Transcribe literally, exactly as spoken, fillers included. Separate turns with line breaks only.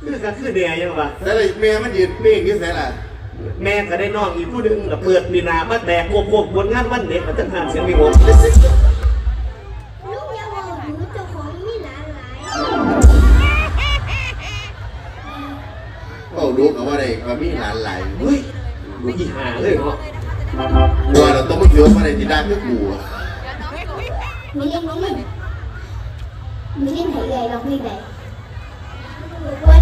คือก็คือเดียยังวะ
แต่เลยแม่มันยืนเป้งอยู่ไสล่ะ
แม่ก็ได้น้องอีกผู้หนึ่งแล้วเปิดมีนามาแตกควบควบบนงานวันเด็กมันจะงานเสียงมีโห
ลูกยังบอกอยู่เจ้าของมีหลานหลาย
ก็รู้กันว่าได้ก็มีหลานหลาย
เฮ้ยดูอีหาเลยเนาะ
กลัวเราต้องมาเยอะมาในที่ด้านก็กลัว
มีเล่นมีเล่นมีเล่นไหนเลยลองเพลงไหน